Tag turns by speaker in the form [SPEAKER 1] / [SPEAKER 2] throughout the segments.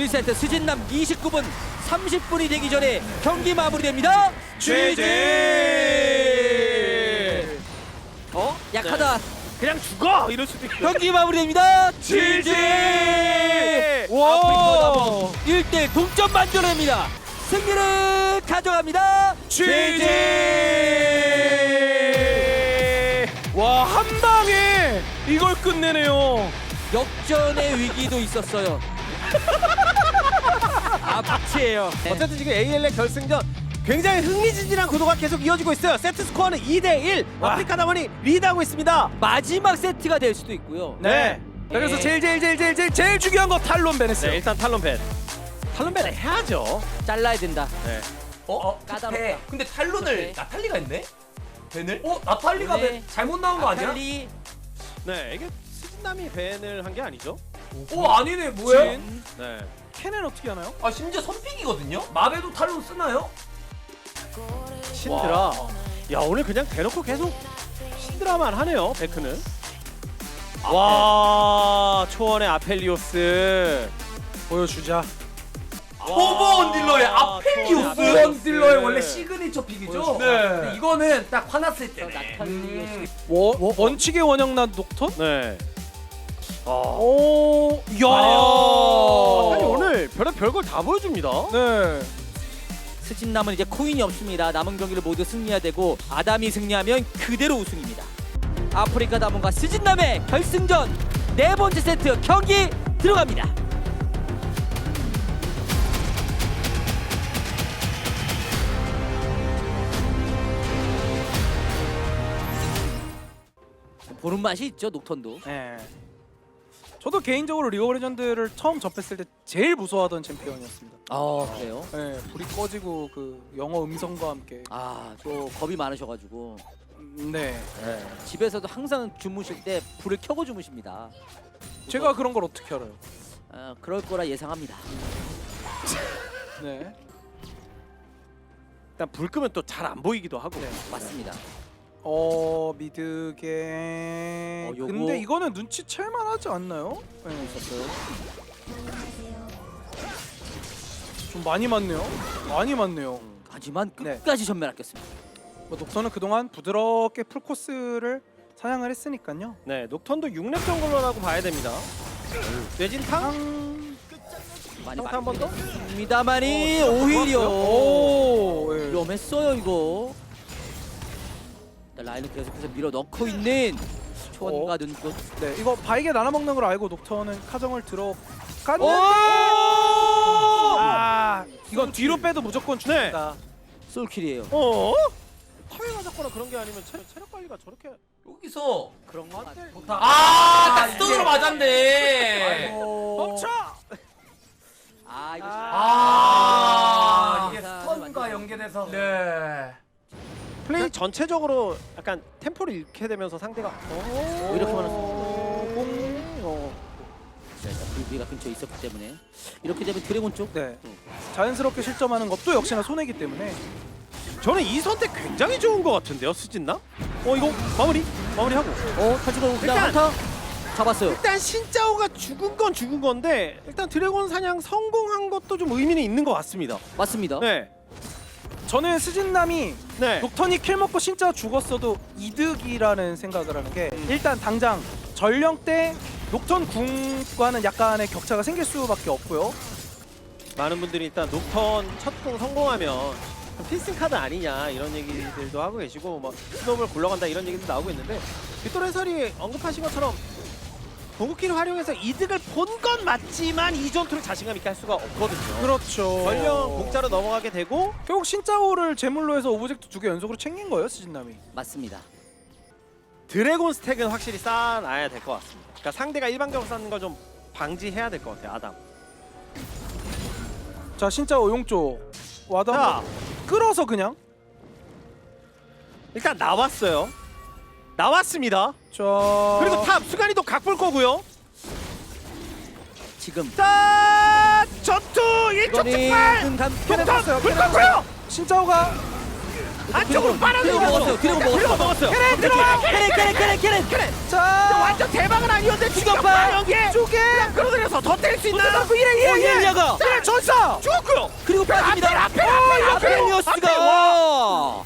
[SPEAKER 1] 1세트 스진남 29분 30분이 되기 전에 경기 마무리됩니다.
[SPEAKER 2] GG!
[SPEAKER 1] 약하다.
[SPEAKER 2] 그냥 죽어! 이럴 수도 있고.
[SPEAKER 1] 경기 마무리됩니다.
[SPEAKER 2] GG!
[SPEAKER 1] 아프리카 1대 동점 만들어냅니다. 승리를 가져갑니다.
[SPEAKER 2] GG! 와, 한 방에 이걸 끝내네요.
[SPEAKER 1] 역전의 위기도 있었어요. 아파치예요.
[SPEAKER 3] 어쨌든 지금 AL의 결승전 굉장히 흥미진진한 구도가 계속 이어지고 있어요. 세트 스코어는 2대1. 아프리카 다원이 리드하고 있습니다.
[SPEAKER 1] 마지막 세트가 될 수도 있고요.
[SPEAKER 2] 네. 자, 그래서 제일 중요한 거 탈론 벤했어요.
[SPEAKER 3] 네, 일단 탈론 벤. 탈론 벤을 해야죠.
[SPEAKER 1] 잘라야 된다.
[SPEAKER 3] 네.
[SPEAKER 1] 까다롭다.
[SPEAKER 4] 근데 탈론을
[SPEAKER 1] 네.
[SPEAKER 4] 나탈리가 했네? 벤을? 나탈리가
[SPEAKER 1] 네.
[SPEAKER 4] 벤 잘못 나온 거 아니야?
[SPEAKER 1] 나탈리
[SPEAKER 3] 네, 이게 스진남이 벤을 한 게 아니죠?
[SPEAKER 4] 아니네 뭐야?
[SPEAKER 3] 네.
[SPEAKER 2] 캔은 어떻게 하나요?
[SPEAKER 4] 심지어 선픽이거든요? 마베도 탈론 쓰나요?
[SPEAKER 3] 신드라.
[SPEAKER 4] 와.
[SPEAKER 3] 야, 오늘 그냥 대놓고 계속 신드라만 하네요, 베크는. 와, 초원의 아펠리오스.
[SPEAKER 2] 보여주자.
[SPEAKER 4] 호버 딜러의 아펠리오스!
[SPEAKER 3] 아펠리오스.
[SPEAKER 4] 호버 딜러의 원래 시그니처 픽이죠?
[SPEAKER 2] 네.
[SPEAKER 4] 근데 이거는 딱 화났을 때네.
[SPEAKER 1] 나탈리의
[SPEAKER 2] 원칙의 원형난 녹턴?
[SPEAKER 3] 네.
[SPEAKER 2] 오, 야.
[SPEAKER 3] 아니, 오늘 별걸 다 보여줍니다.
[SPEAKER 2] 네.
[SPEAKER 1] 스진남은 이제 코인이 없습니다. 남은 경기를 모두 승리해야 되고 아담이 승리하면 그대로 우승입니다. 아프리카 다몬과 스진남의 결승전 네 번째 세트 경기 들어갑니다. 보는 맛이 있죠, 녹턴도.
[SPEAKER 2] 네. 저도 개인적으로 리그 오브 레전드를 처음 접했을 때 제일 무서워하던 챔피언이었습니다.
[SPEAKER 1] 아 그래요?
[SPEAKER 2] 네, 불이 꺼지고 그 영어 음성과 함께.
[SPEAKER 1] 또 겁이 많으셔가지고
[SPEAKER 2] 네.
[SPEAKER 1] 집에서도 항상 주무실 때 불을 켜고 주무십니다.
[SPEAKER 2] 제가 그런 걸 어떻게 알아요?
[SPEAKER 1] 그럴 거라 예상합니다.
[SPEAKER 2] 네.
[SPEAKER 3] 일단 불 끄면 또 잘 안 보이기도 하고.
[SPEAKER 2] 네.
[SPEAKER 1] 맞습니다.
[SPEAKER 2] 미드게.
[SPEAKER 1] 요거-
[SPEAKER 2] 근데 이거는 눈치챌만 하지 않나요? 네.
[SPEAKER 1] 있었어요.
[SPEAKER 2] 좀 많이 맞네요. 많이 맞네요.
[SPEAKER 1] 하지만
[SPEAKER 2] 네.
[SPEAKER 1] 끝까지 전멸 아꼈습니다.
[SPEAKER 2] 뭐 녹턴은 그동안 부드럽게 풀코스를 사냥을 했으니까요.
[SPEAKER 3] 네, 녹턴도 6렙 정도라고 봐야 됩니다. 뇌진탕?
[SPEAKER 1] 많이
[SPEAKER 3] 평타 한 번 더?
[SPEAKER 1] 맞습니다만이 오히려
[SPEAKER 2] 오. 예.
[SPEAKER 1] 위험했어요 이거. 일단 라인을 계속해서 밀어 넣고 있는 초원과 눈꽃.
[SPEAKER 2] 네, 이거 바이게 나눠 먹는 걸 알고 녹턴은 카정을 들어갔는데. 이건 뒤로 빼도 무조건 죽는다.
[SPEAKER 1] 솔킬이에요.
[SPEAKER 3] 파괴 맞았거나 그런 게 아니면 체력 관리가 저렇게
[SPEAKER 4] 여기서
[SPEAKER 1] 그런 거 같아.
[SPEAKER 4] 딱 스톤으로 맞았네.
[SPEAKER 2] 멈춰!
[SPEAKER 1] 이거
[SPEAKER 4] 이게
[SPEAKER 1] 아,
[SPEAKER 4] 스톤과 연계돼서 네.
[SPEAKER 3] 플레이 전체적으로 약간 템포를 잃게 되면서 상대가
[SPEAKER 1] 이렇게 많았어.
[SPEAKER 2] 공.
[SPEAKER 1] 불비가 근처에 있었기 때문에 이렇게 되면 드래곤 쪽.
[SPEAKER 2] 네. 자연스럽게 실점하는 것도 역시나 손해기 때문에.
[SPEAKER 3] 저는 이 선택 굉장히 좋은 것 같은데요, 수진나? 이거 마무리하고.
[SPEAKER 1] 타지고 그냥
[SPEAKER 3] 일단-
[SPEAKER 1] 한타 잡았어요.
[SPEAKER 3] 일단 신짜오가 죽은 건 죽은 건데 일단 드래곤 사냥 성공한 것도 좀 의미는 있는 것 같습니다.
[SPEAKER 1] 맞습니다.
[SPEAKER 3] 네,
[SPEAKER 2] 저는 스진남이
[SPEAKER 3] 네.
[SPEAKER 2] 녹턴이 킬 먹고 진짜 죽었어도 이득이라는 생각을 하는 게 일단 당장 전령 때 녹턴 궁과는 약간의 격차가 생길 수밖에 없고요.
[SPEAKER 3] 많은 분들이 일단 녹턴 첫궁 성공하면 필승 카드 아니냐 이런 얘기들도 하고 계시고 뭐 스노우볼 굴러간다 이런 얘기도 나오고 있는데 빅토르 해설이 언급하신 것처럼 궁극기를 활용해서 이득을 본 건 맞지만 이 전투를 자신감 있게 할 수가 없거든요.
[SPEAKER 2] 그렇죠.
[SPEAKER 3] 전령 공짜로 넘어가게 되고
[SPEAKER 2] 결국 신짜오를 제물로 해서 오브젝트 2개 연속으로 챙긴 거예요, 스진남이.
[SPEAKER 1] 맞습니다.
[SPEAKER 3] 드래곤 스택은 확실히 쌓아놔야 될 것 같습니다. 그러니까 상대가 일방적으로 쌓는 걸 좀 방지해야 될 것 같아요, 아담.
[SPEAKER 2] 자, 신짜오 용조 와도
[SPEAKER 3] 자,
[SPEAKER 2] 한번 끌어서 그냥.
[SPEAKER 3] 일단 나왔습니다.
[SPEAKER 2] 자,
[SPEAKER 3] 그리고 탑 수간이도 각볼 거고요.
[SPEAKER 1] 지금
[SPEAKER 3] 자, 전투 일촉즉발.
[SPEAKER 1] 이거는
[SPEAKER 3] 독탄 불 껐고요.
[SPEAKER 2] 신짜오가
[SPEAKER 3] 안쪽으로
[SPEAKER 1] 드래곤
[SPEAKER 3] 빨아들이면서
[SPEAKER 1] 먹었어요. 드래곤 먹었어요.
[SPEAKER 2] 캐렌. 자,
[SPEAKER 3] 완전 대박은 아니었는데
[SPEAKER 1] 죽었어요.
[SPEAKER 3] 여기에
[SPEAKER 2] 쪽에
[SPEAKER 3] 끌어들여서 더 때릴 수 있나요?
[SPEAKER 1] 이렐리아가
[SPEAKER 2] 캐렌 전사.
[SPEAKER 3] 죽었고요.
[SPEAKER 1] 그리고 빠집니다.
[SPEAKER 3] 앞에.
[SPEAKER 1] 아펠리오스가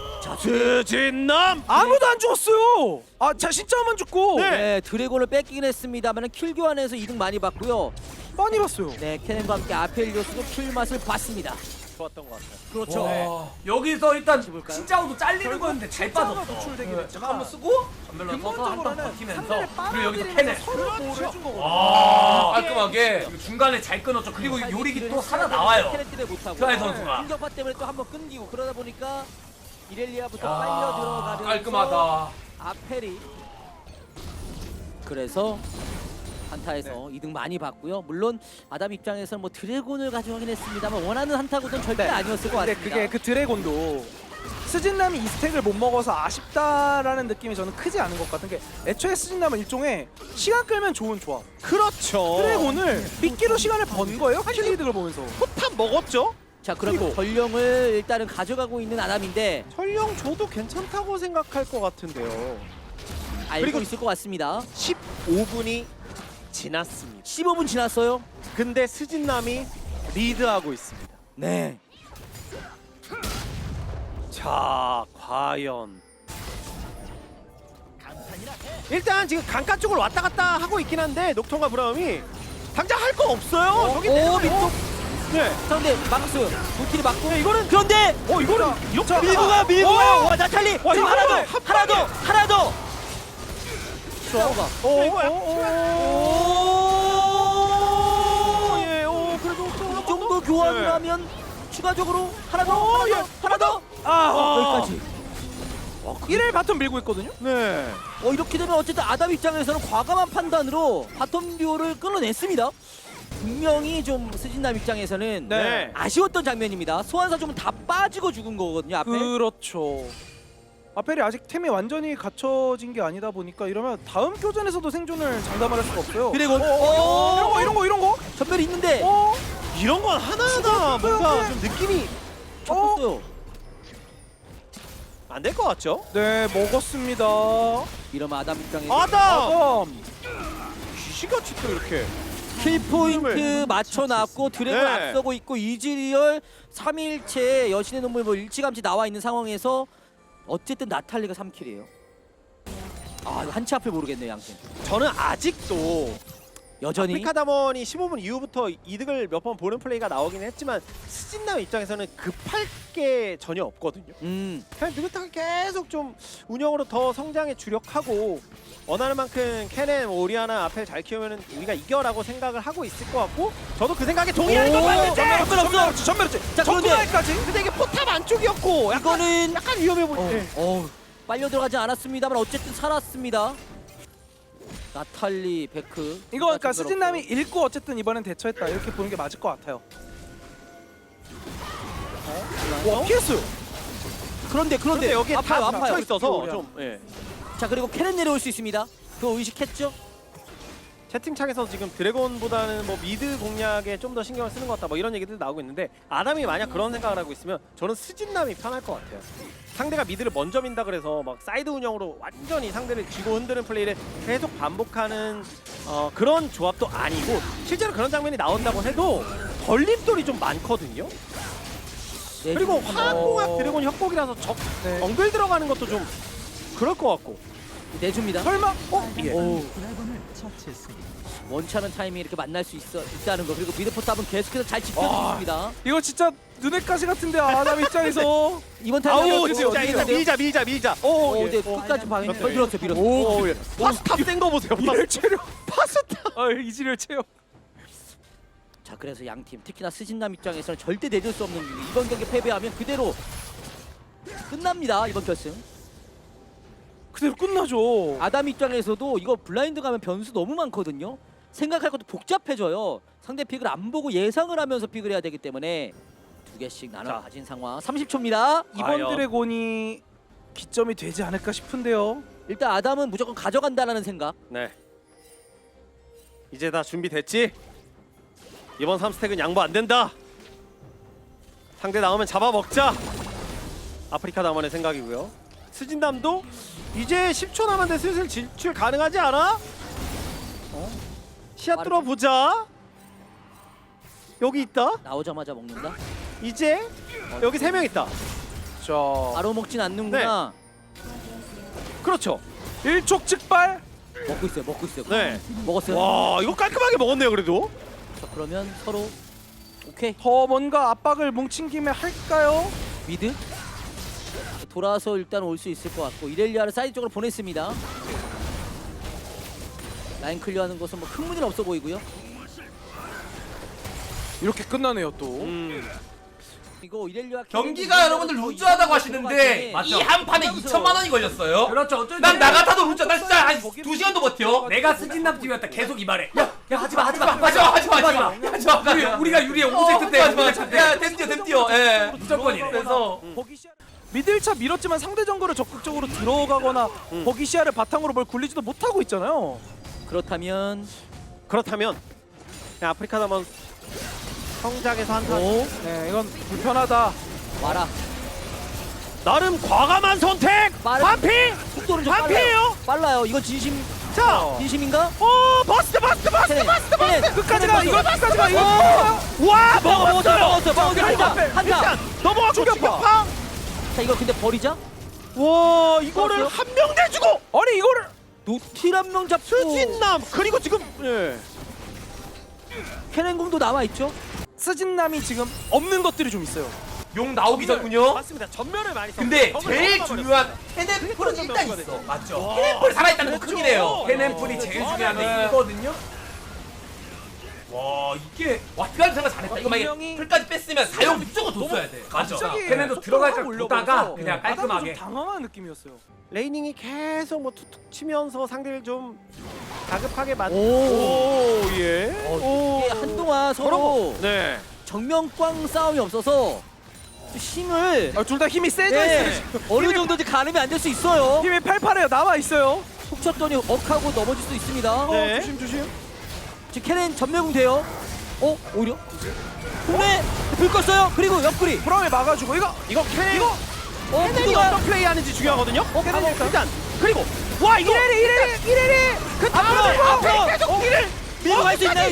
[SPEAKER 3] 스진남.
[SPEAKER 2] 아무도 안 죽었어요. 아, 자 진짜만 죽고.
[SPEAKER 3] 네.
[SPEAKER 1] 네, 드래곤을 뺏기긴 했습니다만 킬 교환에서 이득 많이 봤고요.
[SPEAKER 2] 많이 봤어요.
[SPEAKER 1] 네, 캐넨과 함께 아펠리오스도 킬 맛을 봤습니다.
[SPEAKER 3] 좋았던 것 같아요.
[SPEAKER 1] 그렇죠.
[SPEAKER 4] 와, 여기서 일단
[SPEAKER 1] 볼까요?
[SPEAKER 4] 진짜로도 잘리는 거였는데 잘 빠졌어.
[SPEAKER 2] 노출되긴
[SPEAKER 4] 네,
[SPEAKER 2] 했지만
[SPEAKER 4] 한번 쓰고 전멸로 써서 한번
[SPEAKER 2] 근본적으로는
[SPEAKER 4] 버티면서
[SPEAKER 2] 상대를
[SPEAKER 4] 그리고 여기서
[SPEAKER 2] 빨아들이면서
[SPEAKER 4] 캐넨.
[SPEAKER 2] 서로 보호를 해준 거거든요.
[SPEAKER 4] 와, 깔끔하게 그리고 중간에 잘 끊었죠. 그리고 요리기 또 하나 나와요.
[SPEAKER 1] 캐넨 때문에 못하고
[SPEAKER 4] 트라이 선수가.
[SPEAKER 1] 공격파 때문에 또 한번 끊기고 그러다 보니까 이렐리아부터
[SPEAKER 4] 아,
[SPEAKER 1] 빨려 들어가면서
[SPEAKER 4] 깔끔하다.
[SPEAKER 1] 아펠이 그래서 한타에서 이득 많이 봤고요. 물론 아담 입장에서는 뭐 드래곤을 가져가긴 했습니다만 원하는 한타고는 절대 아니었을 것
[SPEAKER 2] 근데
[SPEAKER 1] 같습니다.
[SPEAKER 2] 그게 그 드래곤도 스진남이 이 스택을 못 먹어서 아쉽다라는 느낌이 저는 크지 않은 것 같은 게 애초에 스진남은 일종의 시간 끌면 좋은 조합.
[SPEAKER 3] 그렇죠.
[SPEAKER 2] 드래곤을 미끼로 시간을 번 거예요. 킬 이득을 보면서.
[SPEAKER 3] 포탑 먹었죠?
[SPEAKER 1] 자, 그럼
[SPEAKER 3] 그리고-
[SPEAKER 1] 전령을 일단은 가져가고 있는 아담인데
[SPEAKER 3] 설령 줘도 괜찮다고 생각할 것 같은데요.
[SPEAKER 1] 알고
[SPEAKER 3] 그리고-
[SPEAKER 1] 있을 것 같습니다.
[SPEAKER 3] 15분이 지났습니다.
[SPEAKER 1] 15분 지났어요.
[SPEAKER 3] 근데 스진남이 리드하고 있습니다.
[SPEAKER 1] 네.
[SPEAKER 3] 자, 과연 일단 지금 강가 쪽으로 왔다 갔다 하고 있긴 한데 녹턴과 브라움이 당장 할 거 없어요. 저기
[SPEAKER 1] 오,
[SPEAKER 3] 때문에.
[SPEAKER 1] 밑도
[SPEAKER 3] 네.
[SPEAKER 1] 상대 막스 도끼리 맞고 이거는 그런데
[SPEAKER 3] 이거는 이렇게
[SPEAKER 1] 밀고 가요. 와, 나탈리
[SPEAKER 3] 와,
[SPEAKER 1] 지금
[SPEAKER 3] 이거
[SPEAKER 1] 하나 더
[SPEAKER 3] 한
[SPEAKER 1] 하나 더 하나 더. 샤오가
[SPEAKER 3] 예, 그래도
[SPEAKER 1] 이 정도 교환을
[SPEAKER 3] 네.
[SPEAKER 1] 하면 추가적으로 하나 더
[SPEAKER 3] 예.
[SPEAKER 1] 하나 더 여기까지.
[SPEAKER 2] 이를 바텀 밀고 있거든요.
[SPEAKER 3] 네.
[SPEAKER 1] 이렇게 되면 어쨌든 아담 입장에서는 과감한 판단으로 바텀 듀오를 끊어냈습니다. 분명히 좀 스진남 입장에서는
[SPEAKER 3] 네.
[SPEAKER 1] 아쉬웠던 장면입니다. 소환사 좀 다 빠지고 죽은 거거든요 앞에.
[SPEAKER 2] 그렇죠. 아펠이 아직 템이 완전히 갖춰진 게 아니다 보니까 이러면 다음 교전에서도 생존을 장담을 할 수가 없어요.
[SPEAKER 1] 드래곤.
[SPEAKER 2] 이런 거.
[SPEAKER 1] 전멸이 있는데
[SPEAKER 3] 이런 건 하나하나 뭔가 좀 느낌이
[SPEAKER 1] 잡혔어요.
[SPEAKER 3] 안 될 것 같죠?
[SPEAKER 2] 네, 먹었습니다.
[SPEAKER 1] 이러면 아담 입장에서
[SPEAKER 3] 아담! 귀신같이 또 이렇게
[SPEAKER 1] 킬 포인트
[SPEAKER 3] 힘을
[SPEAKER 1] 맞춰놨고 드래곤
[SPEAKER 3] 네.
[SPEAKER 1] 앞서고 있고 이즈리얼 3일째 여신의 눈물 뭐 일찌감치 나와 있는 상황에서 어쨌든 나탈리가 3킬이에요. 이거 한치 앞을 모르겠네요 양팀.
[SPEAKER 3] 저는 아직도
[SPEAKER 1] 여전히
[SPEAKER 3] 아프리카 담원이 15분 이후부터 이득을 몇 번 보는 플레이가 나오긴 했지만 스진남 입장에서는 급할 게 전혀 없거든요. 그냥 느긋하게 계속 좀 운영으로 더 성장에 주력하고 원하는 만큼 캐넨, 오리아나 앞에 잘 키우면 우리가 이겨라고 생각을 하고 있을 것 같고 저도 그 생각에 동의하는 건 맞는데
[SPEAKER 2] 전멸했지.
[SPEAKER 1] 자, 그런데
[SPEAKER 2] 전멸까지.
[SPEAKER 3] 근데 이게 포탑 안쪽이었고
[SPEAKER 1] 이거는
[SPEAKER 3] 약간 위험해 보이네.
[SPEAKER 1] 빨려 들어가지 않았습니다만 어쨌든 살았습니다. 나탈리, 베크.
[SPEAKER 2] 이거 그러니까 스진남이 읽고 어쨌든 이번엔 대처했다 이렇게 보는 게 맞을 것 같아요. 와, 피했어요.
[SPEAKER 1] 그런데
[SPEAKER 3] 근데 여기에 다
[SPEAKER 1] 아파요.
[SPEAKER 3] 뭉쳐 있어서
[SPEAKER 2] 오리아나.
[SPEAKER 3] 좀 예.
[SPEAKER 1] 자, 그리고 캐넨 내려올 수 있습니다. 그거 의식했죠?
[SPEAKER 3] 채팅창에서 지금 드래곤보다는 뭐 미드 공략에 좀 더 신경을 쓰는 것 같다 뭐 이런 얘기들 나오고 있는데 아담이 만약 그런 생각을 하고 있으면 저는 스진남이 편할 것 같아요. 상대가 미드를 먼저 민다 그래서 막 사이드 운영으로 완전히 상대를 쥐고 흔드는 플레이를 계속 반복하는 그런 조합도 아니고 실제로 그런 장면이 나온다고 해도 걸림돌이 좀 많거든요.
[SPEAKER 1] 네,
[SPEAKER 3] 그리고
[SPEAKER 1] 지금
[SPEAKER 3] 화학공학 드래곤 협곡이라서
[SPEAKER 2] 네.
[SPEAKER 3] 엉글 들어가는 것도 좀 그럴 것 같고
[SPEAKER 1] 내줍니다.
[SPEAKER 2] 설마?
[SPEAKER 3] 예.
[SPEAKER 1] 오. 원차는 타이밍이 이렇게 만날 수 있다는 거. 그리고 미드포탑은 계속해서 잘 지켜주고 있습니다.
[SPEAKER 2] 이거 진짜 눈의 가시 같은데 아담 입장에서.
[SPEAKER 1] 이번 타이밍
[SPEAKER 3] 아우 진짜 이거 밀자
[SPEAKER 1] 네, 끝까지 방해. 밀었어.
[SPEAKER 3] 오, 예. 파스탑 센거 보세요.
[SPEAKER 2] 이를 체력.
[SPEAKER 3] 파스타.
[SPEAKER 2] 이지를 체력.
[SPEAKER 1] 자, 그래서 양팀 특히나 스진남 입장에서는 절대 내줄 수 없는 일. 이번 경기 패배하면 그대로 끝납니다. 이번 결승.
[SPEAKER 2] 그대로 끝나죠.
[SPEAKER 1] 아담 입장에서도 이거 블라인드 가면 변수 너무 많거든요. 생각할 것도 복잡해져요. 상대 픽을 안 보고 예상을 하면서 픽을 해야 되기 때문에 두 개씩 나눠
[SPEAKER 3] 자.
[SPEAKER 1] 가진 상황. 30초입니다.
[SPEAKER 2] 이번
[SPEAKER 3] 과연.
[SPEAKER 2] 드래곤이 기점이 되지 않을까 싶은데요.
[SPEAKER 1] 일단 아담은 무조건 가져간다라는 생각.
[SPEAKER 3] 네. 이제 다 준비됐지? 이번 3스택은 양보 안 된다. 상대 나오면 잡아먹자. 아프리카 담원의 생각이고요. 스진남도 이제 10초 남았는데 슬슬 진출 가능하지 않아? 시야 뚫어보자. 여기 있다.
[SPEAKER 1] 나오자마자 먹는다.
[SPEAKER 3] 이제 여기 3명 있다.
[SPEAKER 2] 자,
[SPEAKER 1] 바로 먹진 않는구나.
[SPEAKER 3] 그렇죠.
[SPEAKER 2] 일촉즉발.
[SPEAKER 1] 먹고 있어요. 먹고 있어요.
[SPEAKER 3] 네.
[SPEAKER 1] 먹었어요.
[SPEAKER 3] 와 이거 깔끔하게 먹었네요 그래도.
[SPEAKER 1] 자, 그러면 서로 오케이.
[SPEAKER 2] 더 뭔가 압박을 뭉친 김에 할까요?
[SPEAKER 1] 미드 돌아서 일단 올 수 있을 것 같고 이렐리아를 사이드 쪽으로 보냈습니다. 라인 클리어하는 것은 뭐 큰 문제는 없어 보이고요.
[SPEAKER 2] 이렇게 끝나네요 또.
[SPEAKER 1] 이거 이렐리아
[SPEAKER 4] 경기가 여러분들 루즈하다고 하시는데
[SPEAKER 1] 맞죠?
[SPEAKER 4] 이 한 판에 2천만 원이 걸렸어요.
[SPEAKER 5] 그렇죠. 어쩐지
[SPEAKER 4] 난 나 같아도 루즈. 난 진짜 한
[SPEAKER 2] 거기
[SPEAKER 4] 2시간도 버텨.
[SPEAKER 5] 내가 스진남 팀이었다. 계속 이 말해.
[SPEAKER 4] 야 하지마
[SPEAKER 5] 우리가 유리해 5세트 때.
[SPEAKER 4] 야 댐뛰어 예.
[SPEAKER 5] 무조건이래.
[SPEAKER 4] 그래서
[SPEAKER 2] 거기 시야 미들 차 밀었지만 상대 정글을 적극적으로 들어가거나 거기 시야를 바탕으로 뭘 굴리지도 못하고 있잖아요.
[SPEAKER 1] 그렇다면
[SPEAKER 3] 그렇다면 그냥 아프리카 담원 성장에서 한타.
[SPEAKER 1] 오
[SPEAKER 2] 네, 이건 불편하다.
[SPEAKER 1] 와라.
[SPEAKER 3] 나름 과감한 선택.
[SPEAKER 1] 빠른-
[SPEAKER 3] 반피.
[SPEAKER 1] 속도는 좀
[SPEAKER 3] 반피예요.
[SPEAKER 1] 빨라요. 이건 진심
[SPEAKER 3] 자.
[SPEAKER 1] 진심인가?
[SPEAKER 3] 버스트.
[SPEAKER 1] 캐넨, 캐넨,
[SPEAKER 2] 끝까지
[SPEAKER 1] 캐넨
[SPEAKER 2] 가.
[SPEAKER 1] 버스.
[SPEAKER 2] 이거 끝까지 가. 이거.
[SPEAKER 3] 와
[SPEAKER 1] 먹었어. 한타.
[SPEAKER 3] 일단 넘어가고
[SPEAKER 2] 충격파.
[SPEAKER 3] 충격파.
[SPEAKER 1] 자 이거 근데 버리자.
[SPEAKER 3] 와 이거를
[SPEAKER 1] 버스요?
[SPEAKER 3] 한 명 내주고
[SPEAKER 2] 아니 이거를
[SPEAKER 1] 노틸 한 명 잡고
[SPEAKER 3] 스진남 그리고 지금 예.
[SPEAKER 1] 캐넨 공도 남아 있죠.
[SPEAKER 2] 스진남이 지금 없는 것들이 좀 있어요.
[SPEAKER 4] 용 나오기 전군요.
[SPEAKER 3] 맞습니다. 전면을 많이
[SPEAKER 4] 근데
[SPEAKER 3] 썼어요.
[SPEAKER 4] 제일
[SPEAKER 3] 정말
[SPEAKER 4] 중요한 캐넨풀은 일단 있어.
[SPEAKER 5] 맞죠.
[SPEAKER 4] 캐넨풀 살아있다는 거
[SPEAKER 3] 그렇죠.
[SPEAKER 4] 큰일이에요.
[SPEAKER 5] 캐넨풀이 제일 중요한데 이거거든요.
[SPEAKER 4] 와 이게 와 드라이브 생각 잘했다. 이거 만약에
[SPEAKER 2] 분명히-
[SPEAKER 4] 풀까지 뺐으면 사용 무조건 뒀어야 돼. 맞죠?
[SPEAKER 2] 갑자기
[SPEAKER 5] 걔네도
[SPEAKER 2] 속도가
[SPEAKER 5] 들어갈까
[SPEAKER 2] 확 올려버려서
[SPEAKER 5] 보다가 그냥
[SPEAKER 2] 아담도
[SPEAKER 5] 깔끔하게.
[SPEAKER 2] 좀 당황한 느낌이었어요.
[SPEAKER 3] 레이닝이 계속 뭐 툭툭 치면서 상대를 좀 다급하게 만.
[SPEAKER 1] 오.
[SPEAKER 3] 예.
[SPEAKER 1] 이게 한동안 서로
[SPEAKER 3] 네.
[SPEAKER 1] 정면꽝 싸움이 없어서 좀 힘을
[SPEAKER 2] 둘 다 힘이 세져
[SPEAKER 1] 네,
[SPEAKER 2] 있어요.
[SPEAKER 1] 어느 정도인지 가늠이 안 될 수 있어요.
[SPEAKER 2] 힘이 팔팔해요. 남아 있어요.
[SPEAKER 1] 속 쳤더니 억하고 넘어질 수 있습니다.
[SPEAKER 3] 네.
[SPEAKER 2] 조심.
[SPEAKER 1] 지금 캐넨 전멸공 돼요. 오히려 근데 불 껐어요. 그리고 옆구리.
[SPEAKER 2] 브라움에 막아주고 이거
[SPEAKER 3] 캐넨. 캐넨이
[SPEAKER 1] 누가-
[SPEAKER 3] 어떤 플레이하는지 중요하거든요.
[SPEAKER 2] 캐넨
[SPEAKER 3] 일단 그리고 와 이거
[SPEAKER 2] 이래리 그
[SPEAKER 1] 앞으로
[SPEAKER 3] 계속 이를
[SPEAKER 1] 밀고 갈 수 있나요?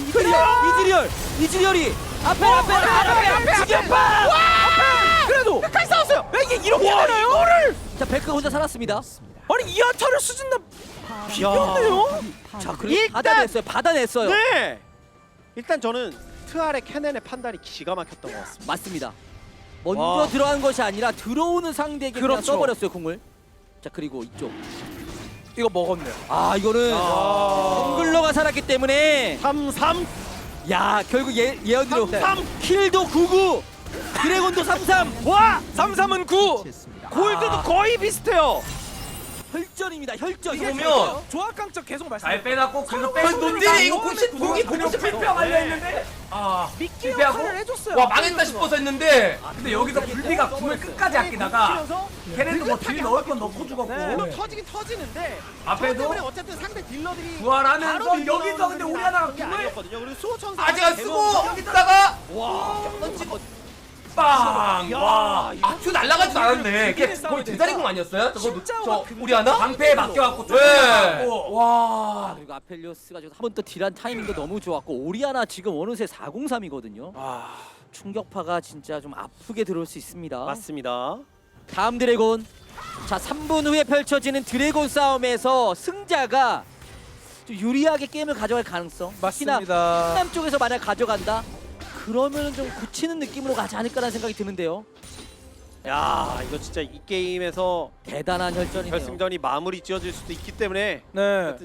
[SPEAKER 1] 이즈리얼이 앞에 지겨파.
[SPEAKER 2] 그래도
[SPEAKER 3] 끝까지 싸웠어요.
[SPEAKER 2] 이게 이렇게 되나요?
[SPEAKER 3] 이거를.
[SPEAKER 1] 자 베크 혼자 살았습니다.
[SPEAKER 2] 아니 이 아타를 수진남 비겼네요.
[SPEAKER 1] 자 그리고
[SPEAKER 3] 일단-
[SPEAKER 1] 받아냈어요.
[SPEAKER 3] 네. 일단 저는 트알의 캐넨의 판단이 기가 막혔던 것 같습니다.
[SPEAKER 1] 맞습니다. 먼저
[SPEAKER 3] 와.
[SPEAKER 1] 들어간 것이 아니라 들어오는 상대에게 그냥
[SPEAKER 2] 그렇죠.
[SPEAKER 1] 써버렸어요 공을. 자 그리고 이쪽.
[SPEAKER 2] 이거 먹었네요.
[SPEAKER 1] 아 이거는 정글러가 살았기 때문에
[SPEAKER 3] 3-3.
[SPEAKER 1] 야 결국 예언대로
[SPEAKER 3] 3-3.
[SPEAKER 1] 킬도 99 드래곤도 33
[SPEAKER 3] 와
[SPEAKER 2] 3-3은 9.
[SPEAKER 3] 골드도 거의 비슷해요.
[SPEAKER 1] 혈전입니다 혈전.
[SPEAKER 4] 이게 보면
[SPEAKER 2] 조합 강적 계속 말씀.
[SPEAKER 5] 잘 빼놨고 그래서
[SPEAKER 4] 아니
[SPEAKER 5] 빼고
[SPEAKER 4] 논딜이 이거 공이 공식
[SPEAKER 5] 실패하려 했는데
[SPEAKER 2] 미끼
[SPEAKER 5] 실패하고?
[SPEAKER 2] 역할을 해줬어요.
[SPEAKER 4] 와 망했다 싶어서 했는데
[SPEAKER 5] 근데 여기서 불비가 궁을 끝까지 아끼다가 걔네도 뭐 딜 넣을 건 넣고 죽었고
[SPEAKER 3] 물론 터지긴 터지는데
[SPEAKER 5] 앞에도
[SPEAKER 3] 저 때문에 어쨌든 상대 딜러들이
[SPEAKER 5] 부활하면서
[SPEAKER 3] 바로
[SPEAKER 5] 여기서
[SPEAKER 3] 딜러는
[SPEAKER 5] 근데
[SPEAKER 3] 그냥
[SPEAKER 5] 우리 하나가
[SPEAKER 3] 그런 게
[SPEAKER 5] 궁을
[SPEAKER 3] 아니었거든요. 그리고 수호천사
[SPEAKER 4] 아직 안 쓰고 있다가 와 던지고 빵! 와, 큐 날라가지도 않았네. 걔 거의 제자리공 아니었어요? 저 우리 하나?
[SPEAKER 5] 방패에 맡겨갖고
[SPEAKER 4] 네.
[SPEAKER 5] 쫓겨나고
[SPEAKER 1] 와 그리고 아펠리오스가 지금 한 번 또 딜한 타이밍도 너무 좋았고 오리아나 지금 어느새 403이거든요. 충격파가 진짜 좀 아프게 들어올 수 있습니다.
[SPEAKER 3] 맞습니다.
[SPEAKER 1] 다음 드래곤. 자 3분 후에 펼쳐지는 드래곤 싸움에서 승자가 좀 유리하게 게임을 가져갈 가능성.
[SPEAKER 2] 맞습니다.
[SPEAKER 1] 특히나 신남 쪽에서 만약 가져간다. 그러면 좀 굳히는 느낌으로 가지 않을까라는 생각이 드는데요.
[SPEAKER 3] 야 이거 진짜 이 게임에서
[SPEAKER 1] 대단한 혈전이네요.
[SPEAKER 3] 결승전이 마무리 지어질 수도 있기 때문에
[SPEAKER 2] 네.
[SPEAKER 3] 하여튼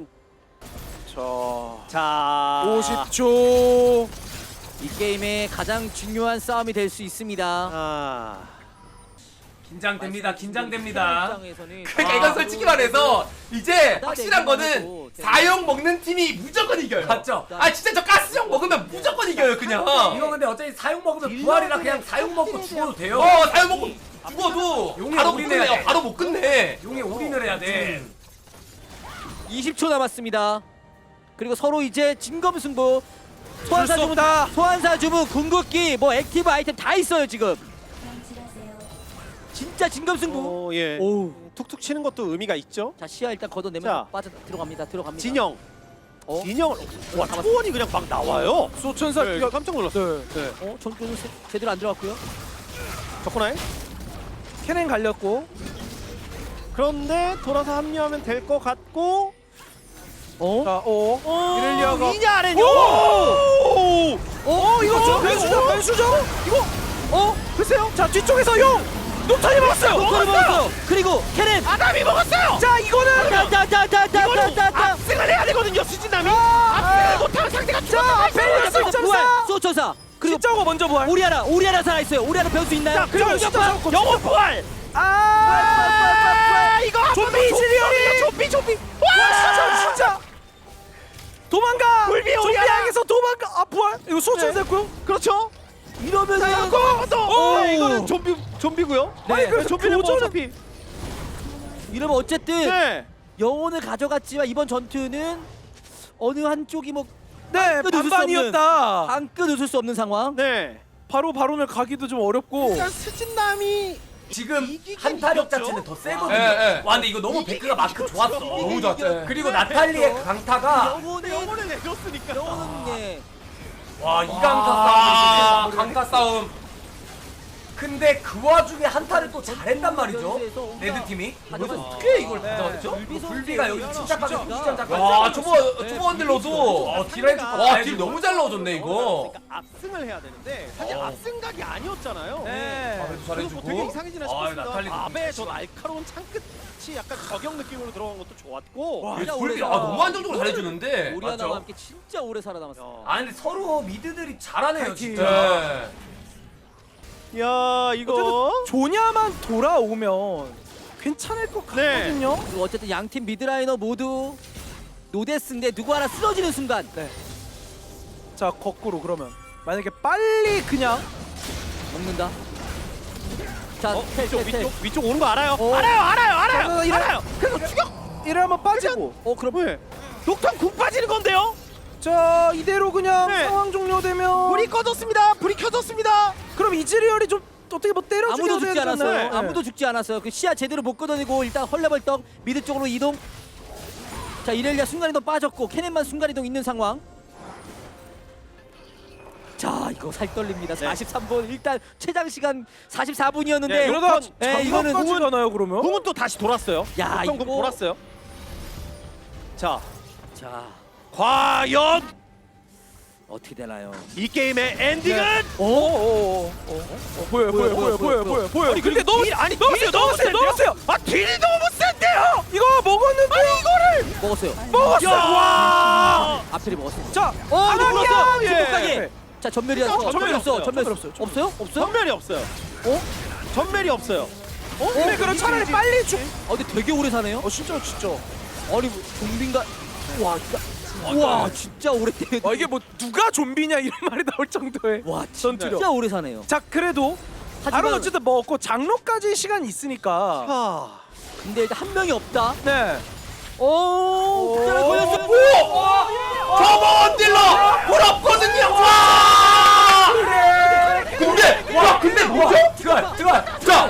[SPEAKER 3] 자
[SPEAKER 2] 50초.
[SPEAKER 1] 이 게임의 가장 중요한 싸움이 될 수 있습니다.
[SPEAKER 3] 아
[SPEAKER 5] 긴장됩니다. 긴장됩니다.
[SPEAKER 1] 입장에서는
[SPEAKER 4] 그러니까 이건 솔직히 말해서 이제 확실한 거는 4형 먹는 팀이 무조건 이겨요.
[SPEAKER 5] 맞죠?
[SPEAKER 4] 아 진짜 저 가스형 먹으면 무조건 이겨요 그냥.
[SPEAKER 5] 이거 근데 어차피 사용 먹으면 부활이라 그냥 사용 먹고 죽어도 돼요.
[SPEAKER 4] 4형 먹고 죽어도
[SPEAKER 5] 용의
[SPEAKER 4] 바로 못
[SPEAKER 5] 올인해야
[SPEAKER 4] 끝내요.
[SPEAKER 5] 돼.
[SPEAKER 4] 바로 못 끝내.
[SPEAKER 5] 용에 올인을 해야 돼.
[SPEAKER 1] 20초 남았습니다. 그리고 서로 이제 진검승부.
[SPEAKER 2] 수 없다.
[SPEAKER 1] 소환사 주문, 궁극기, 뭐 액티브 아이템 다 있어요 지금. 진짜 진검승부.
[SPEAKER 3] 예.
[SPEAKER 1] 오.
[SPEAKER 3] 툭툭 치는 것도 의미가 있죠.
[SPEAKER 1] 자 시야 일단 걷어내면
[SPEAKER 3] 자.
[SPEAKER 1] 빠져 들어갑니다.
[SPEAKER 3] 진영.
[SPEAKER 1] 어?
[SPEAKER 3] 진영. 와 초원이 그냥 막 나와요.
[SPEAKER 2] 소천사
[SPEAKER 3] 네,
[SPEAKER 2] 야,
[SPEAKER 3] 깜짝 놀랐어요.
[SPEAKER 2] 네.
[SPEAKER 3] 네.
[SPEAKER 1] 전교도 제대로 안 들어갔고요.
[SPEAKER 3] 적구나요?
[SPEAKER 2] 캐넨 갈렸고
[SPEAKER 3] 그런데 돌아서 합류하면 될 것 같고.
[SPEAKER 2] 자, 이렐리아가
[SPEAKER 3] 이냐 아래냐.
[SPEAKER 2] 이거 좀 변수죠? 이거 글쎄요. 자, 뒤쪽에서 용 노탄이 먹었어요.
[SPEAKER 1] 노탄이 먹었어요. 그리고 캐넨.
[SPEAKER 3] 아담이 먹었어요.
[SPEAKER 2] 자, 이거는
[SPEAKER 1] 따따따따따따따.
[SPEAKER 3] 압승을 해야 되거든요. 수진남이. 압승을 못하면 상대가
[SPEAKER 2] 자, 앞에
[SPEAKER 1] 부활. 소천사. 그리고
[SPEAKER 2] 진짜고 먼저 부활.
[SPEAKER 1] 오리아나 살아 있어요. 오리아나 변수 있나요?
[SPEAKER 3] 자, 그리고
[SPEAKER 2] 진짜
[SPEAKER 3] 영혼 부활. 이거
[SPEAKER 2] 좀비 시리얼이
[SPEAKER 3] 좀비.
[SPEAKER 2] 와, 진짜 도망가.
[SPEAKER 3] 불비
[SPEAKER 2] 좀비
[SPEAKER 3] 오리아나.
[SPEAKER 2] 향해서 도망가. 부활. 이거 소천
[SPEAKER 3] 네.
[SPEAKER 2] 됐고요.
[SPEAKER 3] 그렇죠.
[SPEAKER 1] 이러면
[SPEAKER 3] 이거는 좀비고요.
[SPEAKER 2] 아니, 그래서
[SPEAKER 3] 좀비는 뭐
[SPEAKER 2] 교전은-
[SPEAKER 3] 어차피.
[SPEAKER 1] 이러면 어쨌든
[SPEAKER 3] 네.
[SPEAKER 1] 영혼을 가져갔지만 이번 전투는 어느 한쪽이 뭐
[SPEAKER 2] 네,
[SPEAKER 1] 끝 웃을 수
[SPEAKER 2] 반반이었다.
[SPEAKER 1] 한끗 웃을 수 없는 상황.
[SPEAKER 3] 네.
[SPEAKER 2] 바로 바론을 가기도 좀 어렵고.
[SPEAKER 3] 일단 수진남이
[SPEAKER 5] 지금
[SPEAKER 3] 이기긴
[SPEAKER 5] 한타력
[SPEAKER 3] 이겼죠?
[SPEAKER 5] 자체는 더 세거든요.
[SPEAKER 4] 예, 예.
[SPEAKER 5] 와 근데 이거 너무 베크가 마크 좋았어.
[SPEAKER 4] 너무 좋았죠.
[SPEAKER 5] 그리고 나탈리의 강타가
[SPEAKER 3] 영혼을 내줬으니까.
[SPEAKER 1] 영혼은 예.
[SPEAKER 5] 와 이
[SPEAKER 4] 아,
[SPEAKER 5] 강타 싸움.
[SPEAKER 4] 강타 싸움.
[SPEAKER 5] 근데 그 와중에 한타를 또 잘했단 말이죠.
[SPEAKER 1] 연수에서
[SPEAKER 5] 레드 팀이.
[SPEAKER 1] 하지만
[SPEAKER 5] 어떻게 이걸
[SPEAKER 2] 네.
[SPEAKER 5] 가져갔죠?
[SPEAKER 1] 불비
[SPEAKER 5] 불비가 여기서 침착하게 포지션 잡고.
[SPEAKER 4] 와, 초보 원딜러도.
[SPEAKER 5] 딜라이트
[SPEAKER 4] 와, 딜 너무 잘 넣어줬네 이거.
[SPEAKER 3] 그러니까 압승을 해야 되는데 사실
[SPEAKER 4] 어.
[SPEAKER 3] 압승각이 아니었잖아요.
[SPEAKER 2] 네.
[SPEAKER 4] 아베도
[SPEAKER 3] 그래서 되게
[SPEAKER 4] 잘해주고.
[SPEAKER 3] 이상해지나
[SPEAKER 5] 아,
[SPEAKER 3] 싶었습니다.
[SPEAKER 5] 나탈리도
[SPEAKER 3] 아베의 저 날카로운 창끝이 약간 저격 느낌으로 들어간 것도 좋았고.
[SPEAKER 2] 와,
[SPEAKER 1] 진짜
[SPEAKER 4] 불비
[SPEAKER 1] 오래
[SPEAKER 4] 너무 안정적으로 잘해주는데.
[SPEAKER 1] 오리아나와
[SPEAKER 5] 맞죠?
[SPEAKER 1] 함께 진짜 오래 살아남았어요.
[SPEAKER 5] 아 근데 서로 미드들이 잘하네요
[SPEAKER 2] 파이팅.
[SPEAKER 5] 진짜.
[SPEAKER 4] 네.
[SPEAKER 3] 야 이거
[SPEAKER 2] 조냐만 돌아오면 괜찮을 것
[SPEAKER 3] 네.
[SPEAKER 2] 같거든요.
[SPEAKER 1] 그리고 어쨌든 양팀 미드라이너 모두 노데스인데 누구 하나 쓰러지는 순간
[SPEAKER 2] 자, 거꾸로 그러면 만약에 빨리 그냥
[SPEAKER 1] 먹는다. 자,
[SPEAKER 3] 위쪽 오는 거 알아요?
[SPEAKER 2] 어.
[SPEAKER 3] 알아요.
[SPEAKER 2] 이래-
[SPEAKER 3] 알아요. 그래서 추격.
[SPEAKER 2] 이러면 빠지고.
[SPEAKER 1] 그럼
[SPEAKER 3] 왜? 녹턴 궁 빠지는 건데요?
[SPEAKER 2] 자, 이대로 그냥
[SPEAKER 3] 네.
[SPEAKER 2] 상황 종료되면
[SPEAKER 3] 불이 꺼졌습니다. 불이 켜졌습니다.
[SPEAKER 2] 그럼 이즈리얼이 좀 어떻게 뭐 때려
[SPEAKER 1] 아무도
[SPEAKER 2] 죽여야
[SPEAKER 1] 죽지
[SPEAKER 2] 되지
[SPEAKER 1] 않았어요.
[SPEAKER 2] 않나요? 네.
[SPEAKER 1] 아무도 죽지 않았어요. 그 시야 제대로 못 걷어내고 일단 헐레벌떡 미드 쪽으로 이동. 자, 이렐리아 순간이동 빠졌고 케넨만 순간이동 있는 상황. 자, 이거 살 떨립니다.
[SPEAKER 3] 네.
[SPEAKER 1] 43분 일단 최장 시간 44분이었는데
[SPEAKER 3] 네,
[SPEAKER 2] 이러다가
[SPEAKER 1] 이거는
[SPEAKER 2] 장갑까지 가나요 그러면?
[SPEAKER 3] 궁은 또 다시 돌았어요.
[SPEAKER 1] 야,
[SPEAKER 3] 녹턴 궁
[SPEAKER 1] 이거-
[SPEAKER 3] 돌았어요. 자,
[SPEAKER 1] 자,
[SPEAKER 3] 과연
[SPEAKER 1] 어떻게 되나요?
[SPEAKER 3] 이 게임의 엔딩은?
[SPEAKER 2] 보여.
[SPEAKER 3] 아니,
[SPEAKER 2] 근데
[SPEAKER 3] 그리고
[SPEAKER 2] 너무
[SPEAKER 3] 딜- 아니,
[SPEAKER 2] 넣었어요,
[SPEAKER 3] 딜이 너무
[SPEAKER 2] 넣었어요.
[SPEAKER 3] 아 딜이 너무 센데요?
[SPEAKER 2] 이거 먹었는데 이거를
[SPEAKER 1] 먹었어요.
[SPEAKER 2] 먹었어요. 와.
[SPEAKER 1] 앞들이 먹었어요.
[SPEAKER 2] 자,
[SPEAKER 1] 이거 물었어.
[SPEAKER 3] 예.
[SPEAKER 1] 중국가게. 자, 전멸이었어.
[SPEAKER 3] 전멸이 없어요.
[SPEAKER 1] 전멸
[SPEAKER 2] 없어요.
[SPEAKER 1] 없어요? 없어요?
[SPEAKER 3] 전멸이 없어요. 전멸이 없어요.
[SPEAKER 2] 근데 그럼 차라리 빨리 죽.
[SPEAKER 1] 근데 되게 오래 사네요.
[SPEAKER 2] 진짜.
[SPEAKER 1] 아니, 뭐, 좀비인가? 와, 진짜. 와, 진짜 오래 때려.
[SPEAKER 2] 이게 뭐 누가 좀비냐 이런 말이 나올 정도의.
[SPEAKER 1] 와,
[SPEAKER 2] 전투력.
[SPEAKER 1] 진짜 오래 사네요.
[SPEAKER 2] 자, 그래도 바로 어쨌든 먹었고 장로까지 시간이 있으니까.
[SPEAKER 3] 아,
[SPEAKER 1] 근데 일단 한 명이 없다.
[SPEAKER 2] 네.
[SPEAKER 1] 오, 그대로 걸렸어요.
[SPEAKER 4] 초보 원딜러 부럽거든요. 와. 근데 뭐죠?
[SPEAKER 5] 들어와.
[SPEAKER 4] 자,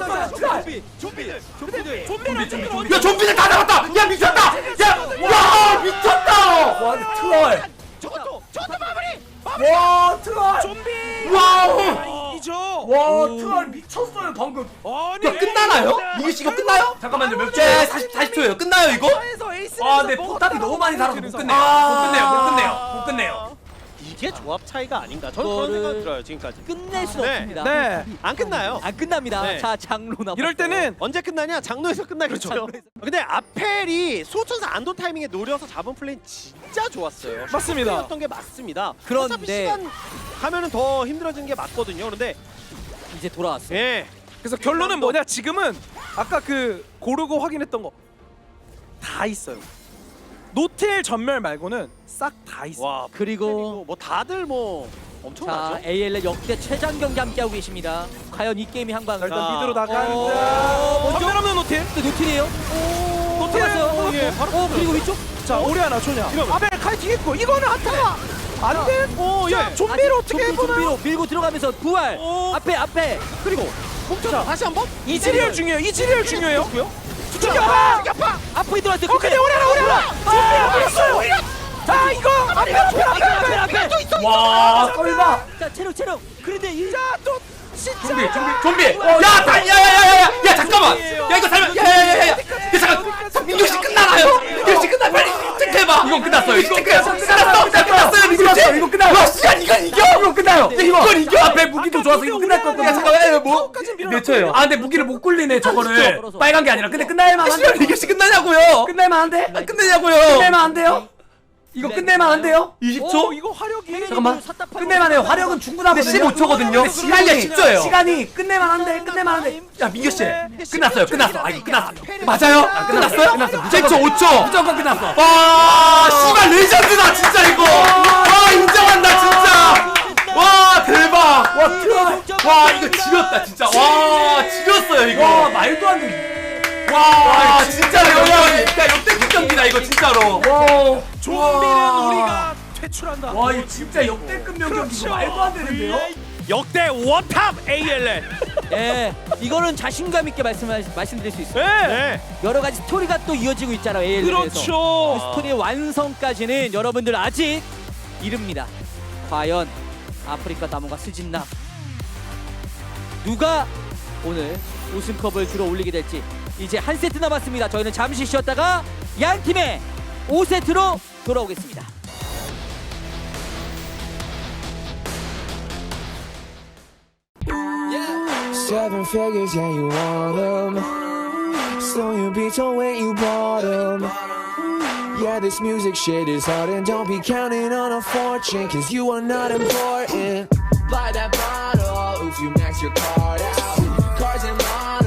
[SPEAKER 2] 좀비는
[SPEAKER 4] 야 좀비들 다 잡았다. 야 미쳤다. 야 미쳤다.
[SPEAKER 5] 와 트롤.
[SPEAKER 3] 저것도 마무리.
[SPEAKER 5] 와 트롤.
[SPEAKER 2] 좀비.
[SPEAKER 4] 와우.
[SPEAKER 2] 이죠.
[SPEAKER 5] 와 트롤 미쳤어요 방금.
[SPEAKER 2] 아니.
[SPEAKER 4] 야 끝나나요? 이게 시간 끝나요?
[SPEAKER 5] 잠깐만요 몇 초?
[SPEAKER 4] 네, 40초예요. 끝나요 이거?
[SPEAKER 5] 아 근데 포탑이 너무 많이 살아서 못 끝내요. 못 끝내요.
[SPEAKER 3] 이게 조합 차이가 아닌가? 저는 그런
[SPEAKER 1] 이거를-
[SPEAKER 3] 생각 들어요 지금까지.
[SPEAKER 1] 끝낼 수
[SPEAKER 3] 네.
[SPEAKER 1] 없습니다.
[SPEAKER 2] 네.
[SPEAKER 3] 안 끝나요.
[SPEAKER 1] 안 끝납니다.
[SPEAKER 3] 네.
[SPEAKER 1] 자, 장로 남았어요.
[SPEAKER 2] 이럴 때는
[SPEAKER 3] 언제 끝나냐? 장로에서 끝나겠죠.
[SPEAKER 1] 장로에서.
[SPEAKER 3] 근데 아펠이 소천사 안도 타이밍에 노려서 잡은 플레이 진짜 좋았어요.
[SPEAKER 2] 맞습니다.
[SPEAKER 3] 였던 게 맞습니다.
[SPEAKER 1] 그런데-
[SPEAKER 3] 어차피 시간 가면은 더 힘들어지는 게 맞거든요. 그런데
[SPEAKER 1] 이제 돌아왔어요.
[SPEAKER 3] 예,
[SPEAKER 2] 그래서 결론은 뭐냐? 지금은 아까 그 고르고 확인했던 거 다 있어요. 노틸 전멸 말고는 싹 다 있어.
[SPEAKER 3] 와
[SPEAKER 1] 그리고
[SPEAKER 3] 뭐 다들 뭐
[SPEAKER 1] 자,
[SPEAKER 3] 엄청나죠.
[SPEAKER 1] AL의 역대 최장 경기 함께하고 계십니다. 과연 이 게임이 한 방.
[SPEAKER 2] 자, 일단
[SPEAKER 3] 자,
[SPEAKER 2] 미드로
[SPEAKER 1] 먼저?
[SPEAKER 2] 나간다. 전멸 없는 노틸.
[SPEAKER 1] 노틸이에요?
[SPEAKER 2] 노틸.
[SPEAKER 1] 잡았어요.
[SPEAKER 3] 예, 바로
[SPEAKER 1] 그리고 위쪽?
[SPEAKER 2] 자, 오리아나 조냐.
[SPEAKER 3] 이러면-
[SPEAKER 2] 아벨 칼 뒤겠고 이거는 한타가 안 돼.
[SPEAKER 3] 오,
[SPEAKER 2] 자,
[SPEAKER 3] 예.
[SPEAKER 2] 좀비로 어떻게
[SPEAKER 1] 좀비,
[SPEAKER 2] 해보나요?
[SPEAKER 1] 좀비로 밀고 들어가면서 부활.
[SPEAKER 3] 오.
[SPEAKER 1] 앞에.
[SPEAKER 2] 그리고
[SPEAKER 3] 자, 다시 한번.
[SPEAKER 2] 이즈리얼 중요해요. 이즈리얼 중요해요.
[SPEAKER 3] 죽여봐.
[SPEAKER 1] 앞으로 들어왔어요.
[SPEAKER 2] 근데 오려라. 버렸어요. 자 이거 앞에.
[SPEAKER 5] 와 썰봐.
[SPEAKER 1] 자 체력. 그런데 이
[SPEAKER 2] 또 진짜.
[SPEAKER 4] 좀비. 야야야야야야 잠깐만. 야 이거 살면 야야야야야. 야 잠깐. 민규 씨 끝나나요? 민규 씨 끝나 빨리 체크해봐. 이건 끝났어요. 이건 끝났어요. 민규 씨.
[SPEAKER 5] 이거 끝나요.
[SPEAKER 4] 와 시간 이건 이겨.
[SPEAKER 5] 이거 끝나요.
[SPEAKER 4] 이건 이겨.
[SPEAKER 5] 앞에 무기도 좋아서 이거 끝날 것
[SPEAKER 4] 야
[SPEAKER 5] 같아.
[SPEAKER 4] 잠깐만 뭐?
[SPEAKER 5] 몇 초예요? 아 근데 무기를 못 굴리네 저거를.
[SPEAKER 1] 벌어서.
[SPEAKER 5] 빨간 게 아니라. 근데 끝날만
[SPEAKER 4] 시간
[SPEAKER 5] 한데.
[SPEAKER 4] 민규 씨 끝나냐고요?
[SPEAKER 5] 끝낼만 한데?
[SPEAKER 4] 끝내냐고요?
[SPEAKER 5] 끝낼만 한데요? 이거 끝낼만 한데요?
[SPEAKER 4] 20초?
[SPEAKER 2] 이거 화력이.
[SPEAKER 5] 잠깐만. 끝낼만 해요. 화력은 충분하거든요.
[SPEAKER 4] 15초거든요. 시간이 10초예요.
[SPEAKER 5] 시간이 끝낼만 한데.
[SPEAKER 4] 야 민규 씨 끝났어요. 끝났어. 아 이거 끝났어. 맞아요?
[SPEAKER 5] 끝났어요?
[SPEAKER 4] 끝났어. 무조건 5초.
[SPEAKER 5] 무조건 끝났어.
[SPEAKER 4] 와 씨발 레전드다 진짜 이거. 와 인정한다 진짜. 와 대박. 와 이거 지렸다 진짜. 와 지렸어요
[SPEAKER 5] 와
[SPEAKER 4] 이거.
[SPEAKER 5] 말도 안 돼.
[SPEAKER 4] 와 진짜 역대 경기다 이거 진짜로.
[SPEAKER 5] 와.
[SPEAKER 2] 좀비는 우리가 퇴출한다.
[SPEAKER 5] 와 이거 진짜 역대급 명경기 이거 말도 안 되는데요?
[SPEAKER 2] 역대 원탑 ALL.
[SPEAKER 1] 예, 이거는 자신감 있게 말씀드릴 수 있어요.
[SPEAKER 2] 네.
[SPEAKER 1] 여러 가지 스토리가 또 이어지고 있잖아요. AL에서.
[SPEAKER 2] 그렇죠.
[SPEAKER 1] 그 스토리의 완성까지는 여러분들 아직 이릅니다. 과연 아프리카 다문과 스진남 누가 오늘 우승컵을 들어 올리게 될지 이제 한 세트 남았습니다. 저희는 잠시 쉬었다가 양 팀의 5세트로 돌아오겠습니다.
[SPEAKER 6] Seven figures, yeah, you want them. So you be told when you bought them. Yeah, this music shit is hard, and don't be counting on a fortune, cause you are not important. Buy that bottle if you max your card out. Cars and models.